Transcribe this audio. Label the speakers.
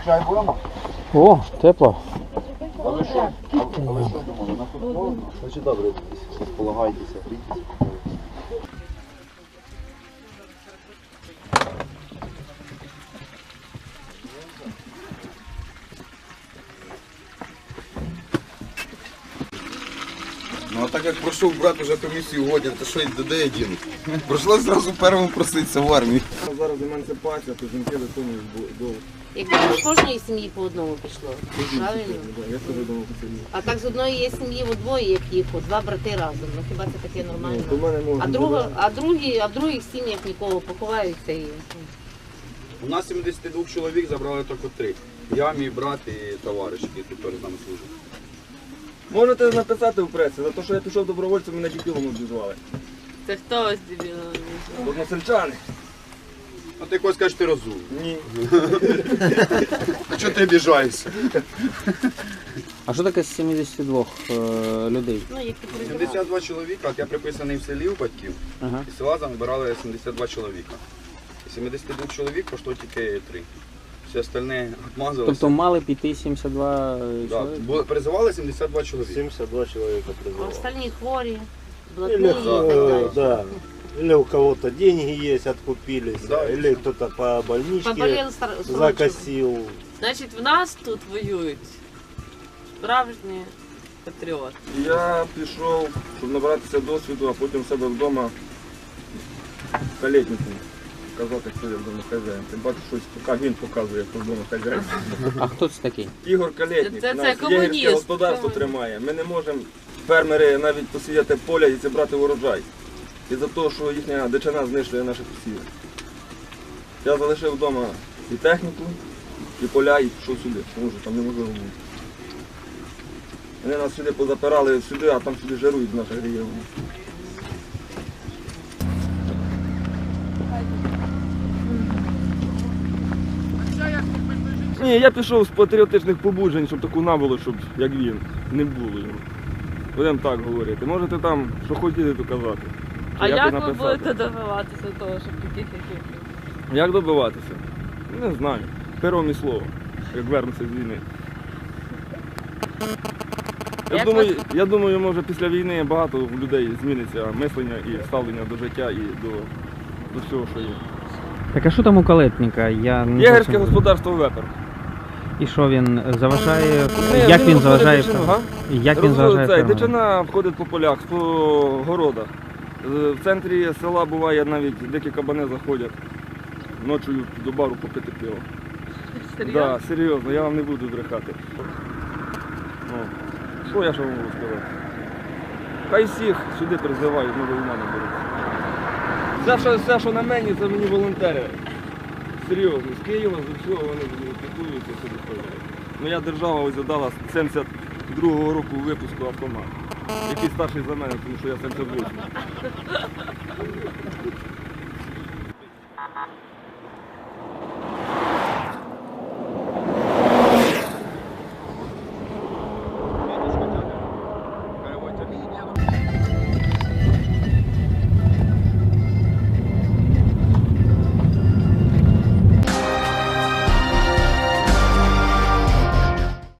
Speaker 1: Чай будемо?
Speaker 2: О, тепло.
Speaker 1: А ви що думали? На футбол? Значить добре, розполагайтеся, грійтеся. Ну а так як пройшов брат уже комісію годин, то що й де один? Прийшлося зразу першому проситися в армії.
Speaker 3: Зараз емансипація, то жінки виконують довго.
Speaker 4: Якби з кожної сім'ї по одному пішло. Правильно?
Speaker 3: Я теж думав по селі.
Speaker 4: А так з одної є сім'ї в двоє, як їх, два брати разом. Ну хіба це таке нормально?
Speaker 3: То в мене можна.
Speaker 4: А в других сім'ях нікого поховаються і.
Speaker 1: У нас 72 чоловік забрали тільки 3. Я, мій брат і товариш, який тут перед нами служить.
Speaker 3: Можете написати в пресі, за те, що я пішов добровольцем, мене дебілом обізвали.
Speaker 4: Це хто ось дебіло?
Speaker 3: Односельчани.
Speaker 1: А ти якось кажеш, ти розумний.
Speaker 3: Ні.
Speaker 1: А чого ти обіжаєшся?
Speaker 2: А що таке з 72 людей?
Speaker 4: Ну, які
Speaker 1: 72 чоловіка, от я приписаний в селі у батьків,
Speaker 2: Ага.
Speaker 1: і села забирали 72 чоловіка. І 72 чоловік пішло тільки 3. Всі остальні відмазалися.
Speaker 2: Тобто мали піти 72
Speaker 1: Да,
Speaker 2: чоловік?
Speaker 1: призивали 72 чоловіка.
Speaker 5: 72 человека
Speaker 4: А
Speaker 5: призывал.
Speaker 4: остальні хворі, блатні
Speaker 5: Или,
Speaker 4: і так далі.
Speaker 5: да, или у кого-то деньги есть, откупились,
Speaker 1: Да,
Speaker 5: или кто-то по больничке
Speaker 4: Поболіли срочно.
Speaker 5: закосил.
Speaker 6: Значить, в нас тут воюють справжні патріоти.
Speaker 3: Я пішов, щоб набратися досвіду, а потім в себе вдома калетнику казати, хто я вдома хазяїн. Тим паче щось поки він показує, хто вдома хазяїн.
Speaker 2: А хто це такий?
Speaker 3: Ігор Калєтник,
Speaker 6: Це
Speaker 3: у нас
Speaker 6: комуніст.
Speaker 3: єгерське господарство тримає. Ми не можемо, фермери, навіть посіяти поля і зібрати урожай. Із-за того, що їхня дичина знищує наші посіви. Я залишив вдома і техніку, і поля, і пішов сюди, тому що там неможливо бути. Вони нас сюди позапирали сюди, а там сюди жарують в наших регіонах. Ні, я пішов з патріотичних побуджень, щоб таку наволу, щоб як він, не було йому. Будемо так говорити. Можете там, що хотіли, то казати.
Speaker 6: А
Speaker 3: Чи
Speaker 6: як ви
Speaker 3: написати.
Speaker 6: будете добиватися того, щоб таких як ви?
Speaker 3: Як добиватися? Не знаю. Пером і слово, як вернуться з війни.
Speaker 6: Як
Speaker 3: Я думаю, може після війни багато в людей зміниться мислення і ставлення до життя і до всього, що є.
Speaker 2: Так а що там у калетника? Я не
Speaker 3: Єгерське
Speaker 2: зовсім-
Speaker 3: господарство вепер.
Speaker 2: І що він заважає?
Speaker 3: Ні,
Speaker 2: Як він
Speaker 3: виходить
Speaker 2: заважає?
Speaker 3: дичину, га?
Speaker 2: Як він заважає?
Speaker 3: Цей,
Speaker 2: фермерам?
Speaker 3: дичина входить по полях, по городах. В центрі села буває навіть дикі кабани заходять ночою до бару попити пиво.
Speaker 6: Серйозно?
Speaker 3: Да, серйозно, я вам не буду брехати. Ну, що я ще вам можу сказати? Хай всіх сюди призивають, ну до ума не беруть. Все, що на мені, це мені волонтери. Серйозно, з Києва, з усього вони піклуються сюди ходять. Моя держава ось задала з 72-го року випуску автомат. Який старший за мене, тому що я 78.